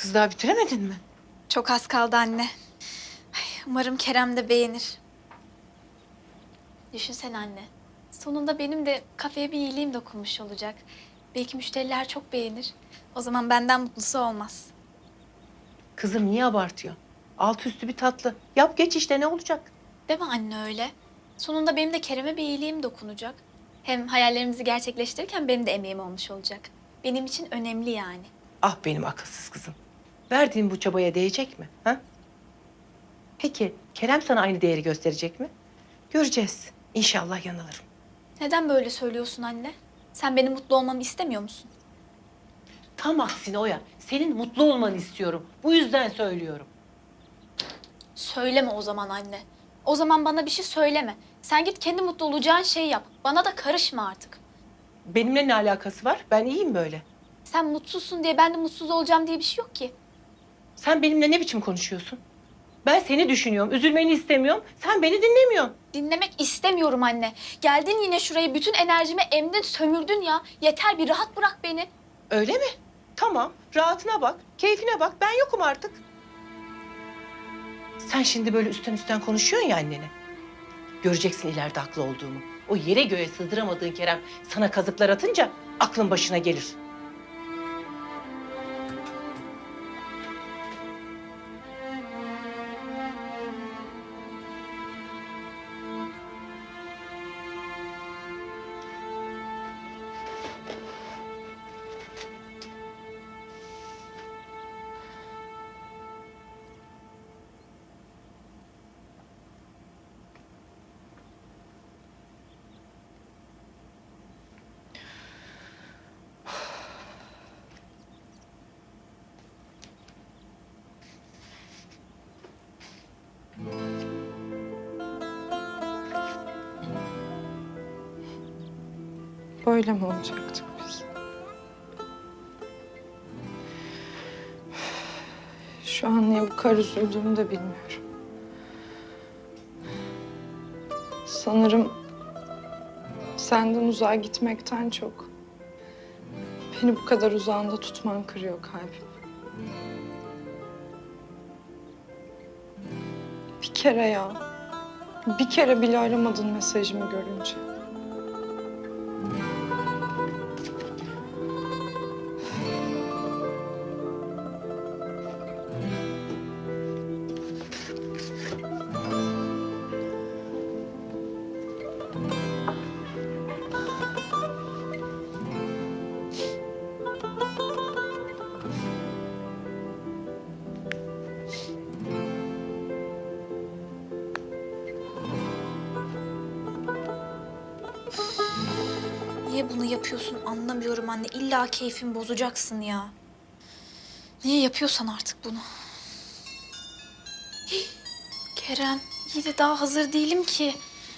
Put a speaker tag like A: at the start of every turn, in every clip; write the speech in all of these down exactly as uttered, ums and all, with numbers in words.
A: Kız daha bitiremedin mi?
B: Çok az kaldı anne. Ay, umarım Kerem de beğenir. Düşünsene anne. Sonunda benim de kafeye bir iyiliğim dokunmuş olacak. Belki müşteriler çok beğenir. O zaman benden mutlusu olmaz.
A: Kızım niye abartıyor? Alt üstü bir tatlı. Yap geç işte ne olacak?
B: Değil mi anne öyle? Sonunda benim de Kerem'e bir iyiliğim dokunacak. Hem hayallerimizi gerçekleştirirken benim de emeğim olmuş olacak. Benim için önemli yani.
A: Ah benim akılsız kızım. Verdiğin bu çabaya değecek mi? Ha? Peki Kerem sana aynı değeri gösterecek mi? Göreceğiz. İnşallah yanılırım.
B: Neden böyle söylüyorsun anne? Sen benim mutlu olmamı istemiyor musun?
A: Tam aksine Oya. Senin mutlu olmanı istiyorum. Bu yüzden söylüyorum.
B: Söyleme o zaman anne. O zaman bana bir şey söyleme. Sen git kendi mutlu olacağın şeyi yap. Bana da karışma artık.
A: Benimle ne alakası var? Ben iyiyim böyle.
B: Sen mutsuzsun diye ben de mutsuz olacağım diye bir şey yok ki.
A: Sen benimle ne biçim konuşuyorsun? Ben seni düşünüyorum, üzülmeni istemiyorum. Sen beni dinlemiyorsun.
B: Dinlemek istemiyorum anne. Geldin yine şuraya bütün enerjimi emdin sömürdün ya. Yeter bir rahat bırak beni.
A: Öyle mi? Tamam, rahatına bak, keyfine bak. Ben yokum artık. Sen şimdi böyle üstten üstten konuşuyorsun ya annene. Göreceksin ileride haklı olduğumu. O yere göğe sığdıramadığın Kerem sana kazıklar atınca aklın başına gelir.
C: Böyle mi olacaktık biz? Şu an niye bu kadar üzüldüğümü de bilmiyorum. Sanırım senden uzağa gitmekten çok beni bu kadar uzağında tutman kırıyor kalbimi. Bir kere ya, bir kere bile aramadın mesajımı görünce.
B: Niye bunu yapıyorsun anlamıyorum anne. İlla keyfimi bozacaksın ya. Niye yapıyorsan artık bunu? Hih, Kerem, iyi de daha hazır değilim ki.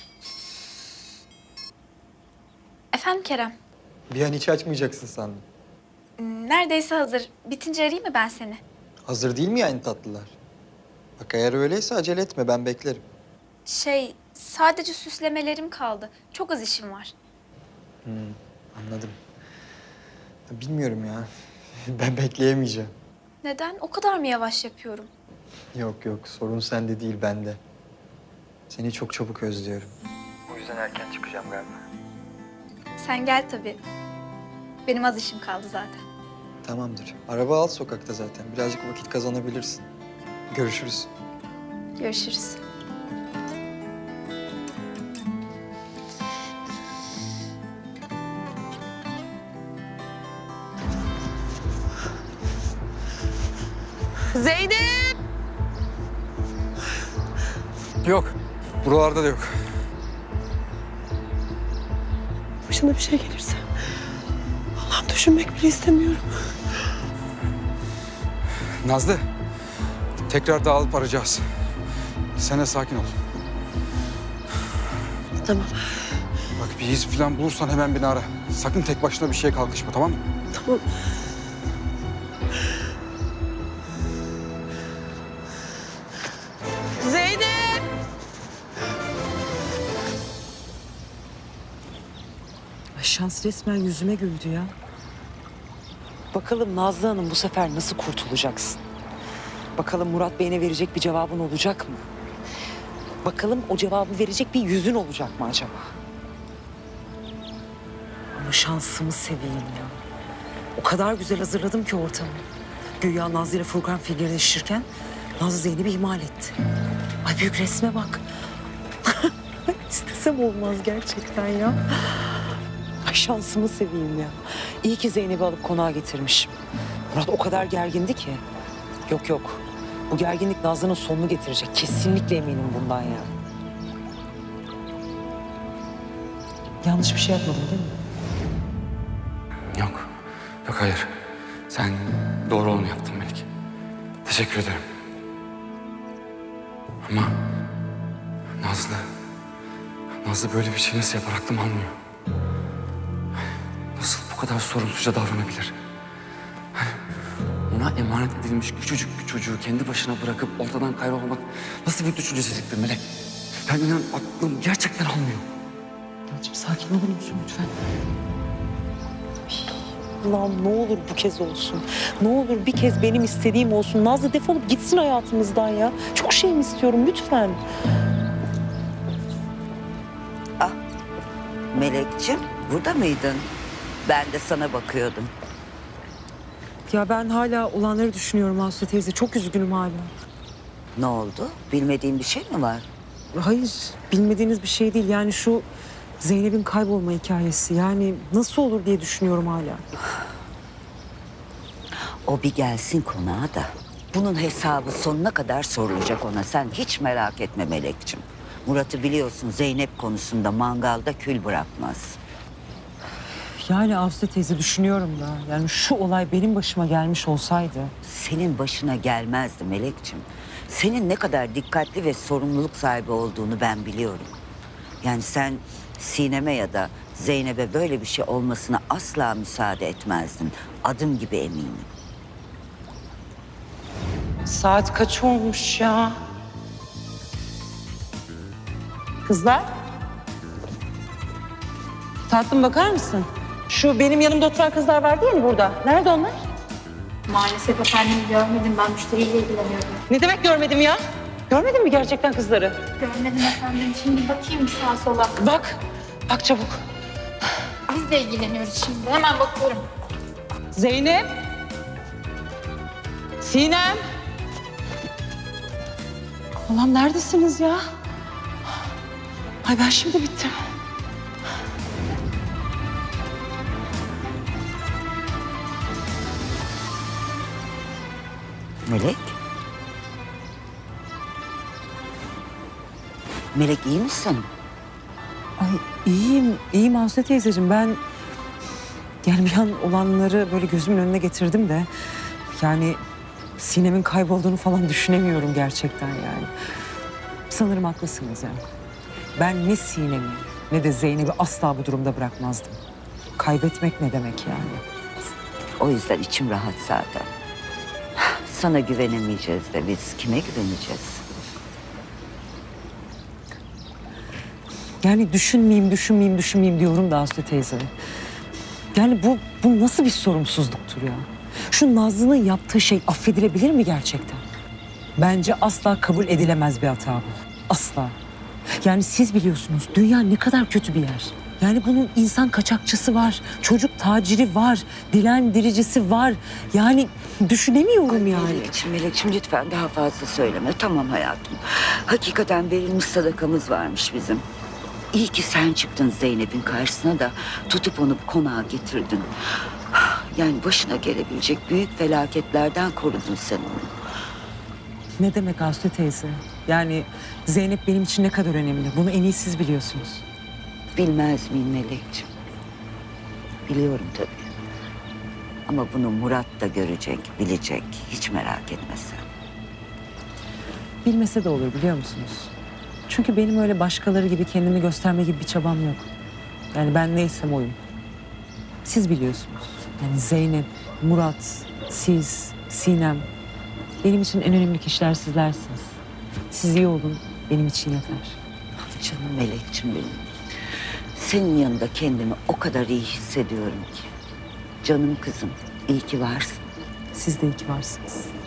B: Efendim Kerem?
D: Bir an hiç açmayacaksın sandım.
B: Hmm, Neredeyse hazır. Bitince arayayım mı ben seni?
D: Hazır değil mi yani tatlılar? Bak eğer öyleyse acele etme, ben beklerim.
B: Şey, sadece süslemelerim kaldı. Çok az işim var.
D: Hmm, anladım. Bilmiyorum ya. Ben bekleyemeyeceğim.
B: Neden? O kadar mı yavaş yapıyorum?
D: Yok yok, sorun sende değil, bende. Seni çok çabuk özlüyorum. O yüzden erken çıkacağım galiba.
B: Sen gel tabii. Benim az işim kaldı zaten.
D: Tamamdır. Araba al sokakta zaten. Birazcık vakit kazanabilirsin. Görüşürüz.
B: Görüşürüz.
A: Zeynep!
E: Yok. Buralarda da yok.
A: Başına bir şey gelirse. Allah'ım düşünmek bile istemiyorum.
E: Nazlı. Tekrar dağılıp arayacağız. Sen de sakin ol.
A: Tamam,
E: Bak bir iz falan bulursan hemen beni ara. Sakın tek başına bir şeye kalkışma, tamam mı?
A: tamam. Zeynep!
F: Ay şans resmen yüzüme güldü ya. Bakalım Nazlı Hanım bu sefer nasıl kurtulacaksın? Bakalım Murat Bey'ine verecek bir cevabın olacak mı? Bakalım o cevabı verecek bir yüzün olacak mı acaba? Ama şansımı seveyim ya. O kadar güzel hazırladım ki ortamı. Güya Nazlı ile Furkan figürleşirken Nazlı Zeynep'i ihmal etti. Ay büyük resme bak. İstesem olmaz gerçekten ya. Ay şansımı seveyim ya. İyi ki Zeynep'i alıp konağa getirmişim. Murat o kadar gergindi ki. Yok yok. Bu gerginlik Nazlı'nın sonunu getirecek. Kesinlikle eminim bundan ya. Yanlış bir şey yapmadım değil mi?
E: Yok. Yok hayır. Sen doğru olanı yaptın Melek. Teşekkür ederim. Ama Nazlı... Nazlı böyle bir şey nasıl yapar aklım almıyor. Nasıl bu kadar sorumsuzca davranabilir? Ona emanet edilmiş küçücük bir çocuğu kendi başına bırakıp ortadan kaybolmak nasıl bir düşüncesizliktir Melek? Ben inan aklım gerçekten almıyor.
F: Yalçın sakin olur musun lütfen? Allah'ım ne olur bu kez olsun. Ne olur bir kez benim istediğim olsun. Nazlı defolup gitsin hayatımızdan ya. Çok şey mi istiyorum lütfen?
G: Melekciğim, burada mıydın? Ben de sana bakıyordum.
F: Ya ben hala olanları düşünüyorum Aslı teyze. Çok üzgünüm hala.
G: Ne oldu? Bilmediğin bir şey mi var?
F: Hayır, bilmediğiniz bir şey değil. Yani şu Zeynep'in kaybolma hikayesi. Yani nasıl olur diye düşünüyorum hala.
G: O bir gelsin konağa da. Bunun hesabı sonuna kadar sorulacak ona. Sen hiç merak etme Melekciğim. Murat'ı biliyorsun, Zeynep konusunda mangalda kül bırakmaz.
F: Yani Aslı teyze düşünüyorum da. Yani şu olay benim başıma gelmiş olsaydı.
G: Senin başına gelmezdi Melekciğim. Senin ne kadar dikkatli ve sorumluluk sahibi olduğunu ben biliyorum. Yani sen Sinem'e ya da Zeynep'e böyle bir şey olmasına asla müsaade etmezdin. Adım gibi eminim.
F: Saat kaç olmuş ya? Kızlar. Tatlım bakar mısın? Şu benim yanımda oturan kızlar vardı ya burada. Nerede onlar?
B: Maalesef efendim görmedim. Ben müşteriyle ilgileniyorum.
F: Ne demek görmedim ya? Görmedin mi gerçekten kızları?
B: Görmedim efendim. Şimdi bakayım sağa sola.
F: Bak. Bak çabuk.
B: Biz de ilgileniyoruz şimdi. Hemen bakıyorum.
F: Zeynep. Sinem. Allah'ım neredesiniz ya? Ay ben şimdi bittim.
G: Melek? Melek iyi misin?
F: Ay iyiyim, iyiyim Aslı teyzeciğim. Ben yani bir an olanları böyle gözümün önüne getirdim de... Yani Sinem'in kaybolduğunu falan düşünemiyorum gerçekten yani. Sanırım haklısınız yani. Ben ne Sinem'i ne de Zeynep'i asla bu durumda bırakmazdım. Kaybetmek ne demek yani?
G: O yüzden içim rahat zaten. Sana güvenemeyeceğiz de biz kime güveneceğiz?
F: Yani düşünmeyeyim, düşünmeyeyim, düşünmeyeyim diyorum da Aslı teyze. Yani bu, bu nasıl bir sorumsuzluktur ya? Şu Nazlı'nın yaptığı şey affedilebilir mi gerçekten? Bence asla kabul edilemez bir hata bu. Asla. Yani siz biliyorsunuz dünya ne kadar kötü bir yer. Yani bunun insan kaçakçısı var, çocuk taciri var, dilendiricisi var. Yani düşünemiyorum yani.
G: Melekciğim, Melekciğim lütfen daha fazla söyleme. Tamam hayatım. Hakikaten verilmiş sadakamız varmış bizim. İyi ki sen çıktın Zeynep'in karşısına da tutup onu konağa getirdin. Yani başına gelebilecek büyük felaketlerden korudun sen onu.
F: Ne demek Aslı teyze? Yani Zeynep benim için ne kadar önemli. Bunu en iyi siz biliyorsunuz.
G: Bilmez miyim Melekciğim? Biliyorum tabii. Ama bunu Murat da görecek, bilecek. Hiç merak etme sen.
F: Bilmese de olur biliyor musunuz? Çünkü benim öyle başkaları gibi kendimi gösterme gibi bir çabam yok. Yani ben neysem oyum. Siz biliyorsunuz. Yani Zeynep, Murat, siz, Sinem. Benim için en önemli kişiler sizlersiniz. Siz iyi olun, benim için yeter.
G: Canım Melekciğim benim. Senin yanında kendimi o kadar iyi hissediyorum ki. Canım kızım, İyi ki varsın.
F: Siz de iyi ki varsınız.